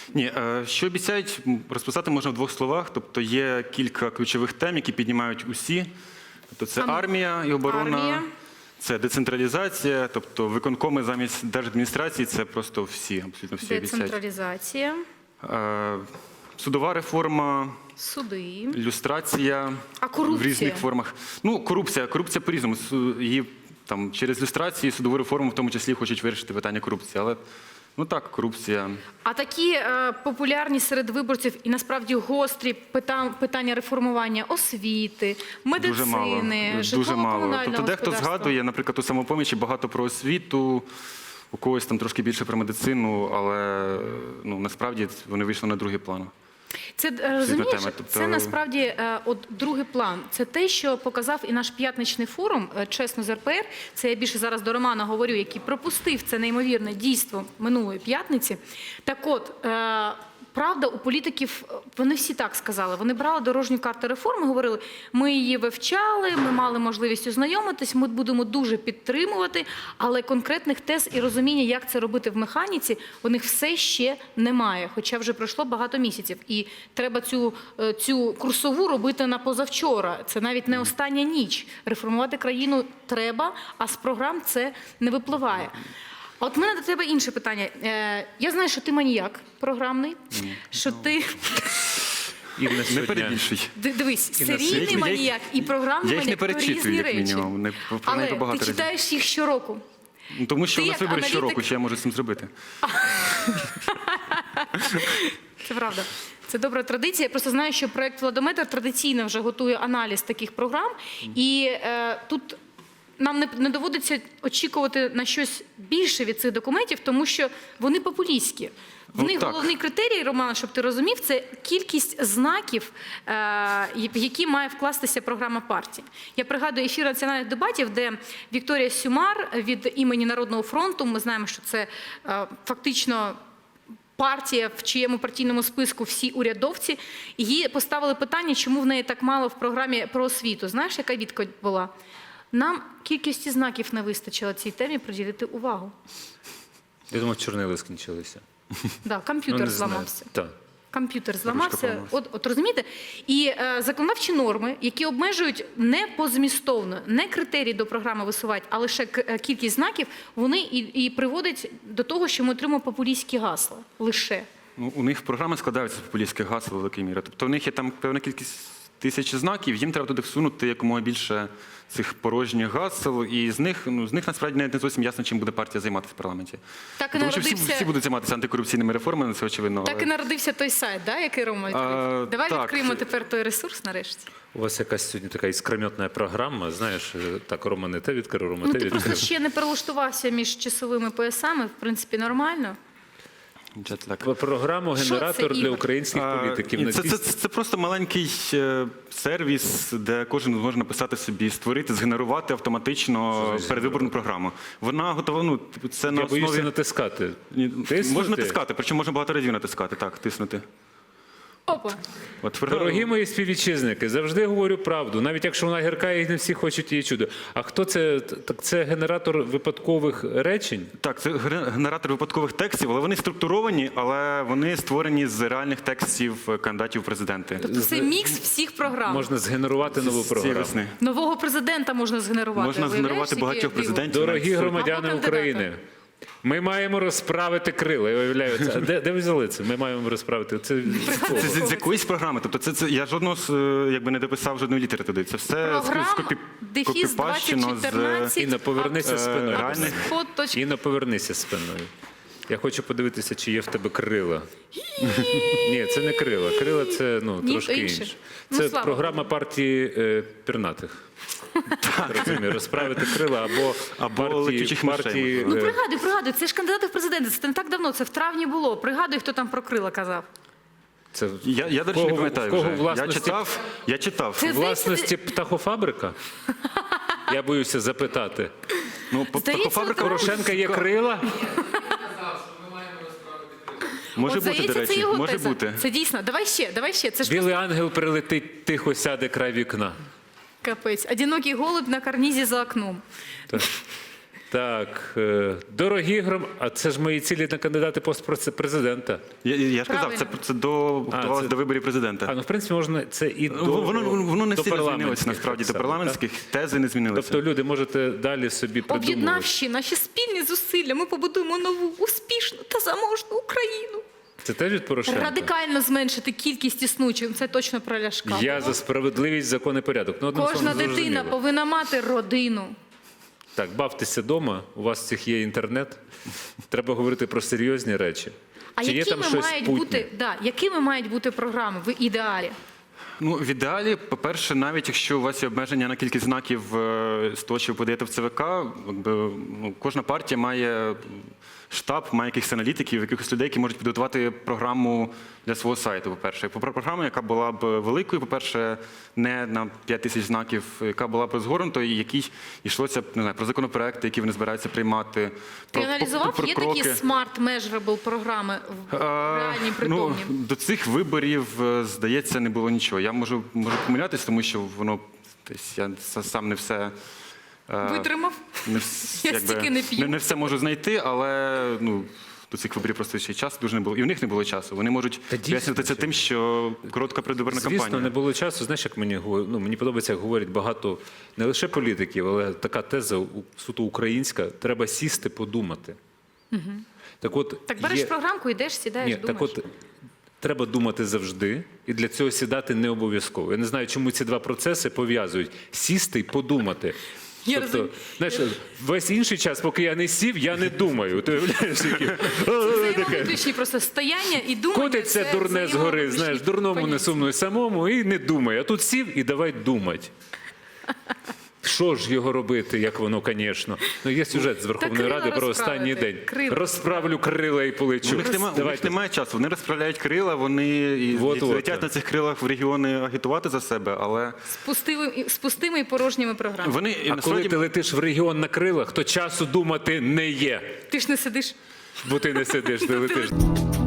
Ні, що обіцяють, розписати можна в двох словах. Тобто є кілька ключових тем, які піднімають усі. Тобто це армія і оборона, це децентралізація, тобто виконкоми замість держадміністрації, це просто всі, абсолютно всі обіцяють. Децентралізація. Судова реформа, Суди. люстрація А корупція? в різних формах. Ну, корупція по-різному. Її там через люстрацію і судову реформу в тому числі хочуть вирішити питання корупції. Але, ну так, корупція. А такі популярні серед виборців і насправді гострі питання реформування освіти, медицини, Дуже мало. Тобто дехто господарства. згадує, наприклад, у «Самопомічі» багато про освіту, у когось там трошки більше про медицину, але ну, насправді вони вийшли на другий план. Це, розумієш, Тобто... це насправді от другий план. Це те, що показав і наш п'ятничний форум, чесно, з РПР. Це я більше зараз до Романа говорю, який пропустив це неймовірне дійство минулої п'ятниці. Так от, правда, у політиків, вони всі так сказали, вони брали дорожню карту реформи, говорили, ми її вивчали, ми мали можливість ознайомитись, ми будемо дуже підтримувати, але конкретних тез і розуміння, як це робити в механіці, у них все ще немає, хоча вже пройшло багато місяців. І треба цю курсову робити на позавчора, це навіть не остання ніч. Реформувати країну треба, а з програм це не випливає. А от в мене до тебе інше питання. Я знаю, що ти маніяк програмний, що ти... Не перебільшуй. Дивись, серійний маніяк і програмний маніяк – то різні речі. Але ти читаєш їх щороку. Тому що у нас вибори щороку, що я можу з цим зробити. Це правда. Це добра традиція. Я просто знаю, що проєкт «Владометр» традиційно вже готує аналіз таких програм. І тут... Нам не доводиться очікувати на щось більше від цих документів, тому що вони популістські. В них головний критерій, Роман, щоб ти розумів, це кількість знаків, в які має вкластися програма партії. Я пригадую ефір національних дебатів, де Вікторія Сюмар від імені Народного фронту, ми знаємо, що це фактично партія, в чиєму партійному списку всі урядовці, їй поставили питання, чому в неї так мало в програмі про освіту. Знаєш, яка відповідь була? Нам кількості знаків не вистачило цій темі приділити увагу. Я думав, чорнили скінчилися. Так, комп'ютер зламався. Так. Комп'ютер зламався. От розумієте? І законодавчі норми, які обмежують не позмістовно, не критерії до програми висувати, а лише кількість знаків, вони і приводять до того, що ми отримуємо популістські гасла. Лише. Ну, у них програми складаються з популістських гасел в великій мірі. Тобто у них є там певна кількість тисяч знаків, їм треба туди всунути якомога більше цих порожніх гасел, і з них насправді не зовсім ясно, чим буде партія займатися в парламенті. Так і Тому що народився... всі будуть займатися антикорупційними реформами, це очевидно. Так і народився той сайт, да, який Рома відкрив? Давай відкриємо тепер той ресурс нарешті. У вас якась сьогодні така іскрометна програма, знаєш, так, Рома не те відкрив, Рома те відкрив. Ти просто ще не перелаштувався між часовими поясами, в принципі, нормально. Програму «Генератор для українських політиків». Це просто маленький сервіс, де кожен може написати собі, створити, згенерувати автоматично передвиборну програму. Вона готова, ну, це на основі... Я боюся натискати. Можна натискати, причому можна багато разів натискати, так, тиснути. Опа. Дорогі мої співвітчизники, завжди говорю правду, навіть якщо вона гірка і не всі хочуть її чути. А хто це? Так це генератор випадкових речень? Так, це генератор випадкових текстів, але вони структуровані, але вони створені з реальних текстів кандидатів в президенти. Тобто це мікс всіх програм. Можна згенерувати нову програму. Нового президента можна згенерувати. Можна згенерувати багатьох президентів. Дорогі громадяни України, ми маємо розправити крила. Я уявляю, це. Де ви взяли це? Ми маємо розправити. Це з якоїсь програми. Тобто я жодного якби не дописав жодної літери туди. Це все скопіпащено з... Інна, повернися спиною. Інна, повернися спиною. Я хочу подивитися, чи є в тебе крила. Ні, це не крила. Крила – це трошки інше. Це програма партії пернатих. Розумію, розправити крила або партії... Ну, пригадуй, це ж кандидати в президенти, це не так давно, це в травні було. Пригадуй, хто там про крила казав. Я, до речі, не пам'ятаю вже. Я читав. Власності птахофабрика? Я боюся запитати. Птахофабрика Порошенка є крила? Може бути, до речі, може бути. Це дійсно. Давай ще. Білий ангел прилетить, тихо сяде край вікна. Капець. Одинокий голубь на карнізі за окном. Так, дорогі а це ж мої цілі на кандидати пост президента. Я ж казав, Правильно. це готувалося до виборів президента. Ну, в принципі, можна це і до Воно не до сильно змінилося, парламентських насправді, так до само, парламентських тези не змінилися. Тобто люди можете далі собі придумувати. Об'єднавши наші спільні зусилля, ми побудуємо нову, успішну та заможну Україну. Це теж від Порошенка? Радикально зменшити кількість існучих. Це точно про Ляшка. Я за справедливість, закон і порядок. Ну, одним Кожна словом, дитина зрозуміло. повинна мати родину. Так, бавтеся вдома, у вас всіх є інтернет. Треба говорити про серйозні речі. А Чи є там якими щось мають путнє? бути, якими мають бути програми в ідеалі? Ну, в ідеалі, по-перше, навіть якщо у вас є обмеження на кількість знаків з того, що ви подаєте в ЦВК, кожна партія має штаб, має якихось аналітиків, якихось людей, які можуть підготувати програму для свого сайту, по-перше. Програму, яка була б великою, по-перше, не на 5 тисяч знаків, яка була б розгорнутою, і якій йшлося не знаю, про законопроекти, які вони збираються приймати. Ти аналізував, є такі smart measurable програми реальні, притомні? До цих виборів, здається, не було нічого. Я можу помилятися, тому що воно десь я сам не все Витримав? Я стільки не п'ю. не все можу знайти, але до цих виборів просто ще часу дуже не було. І в них не було часу. Вони можуть пояснити це тим, що коротка передвиборна кампанія. Звісно, не було часу. Знаєш, як мені подобається, як говорять багато не лише політиків, але така теза суто українська. Треба сісти, подумати. Угу. Так береш програмку, йдеш, сідаєш, думаєш. Так от, треба думати завжди, і для цього сідати не обов'язково. Я не знаю, чому ці два процеси пов'язують. Сісти і подумати. Тобто, знаєш, весь інший час, поки я не сів, я не думаю. Ти уявляєш, які? Взаємовиключні просто стояння і думання. Котиться дурне згори, знаєш, дурному не сумно й самому, і не думай. А тут сів і давай думати. Що ж його робити, як воно, звісно. Є сюжет з Верховної Ради про останній день. Розправлю крила і полечу. У них немає часу. Вони розправляють крила, вони летять на цих крилах в регіони агітувати за себе, але... З пустими і порожніми програмами. Коли ти летиш в регіон на крилах, то часу думати не є. Ти ж не сидиш. Бо ти не сидиш, ти летиш.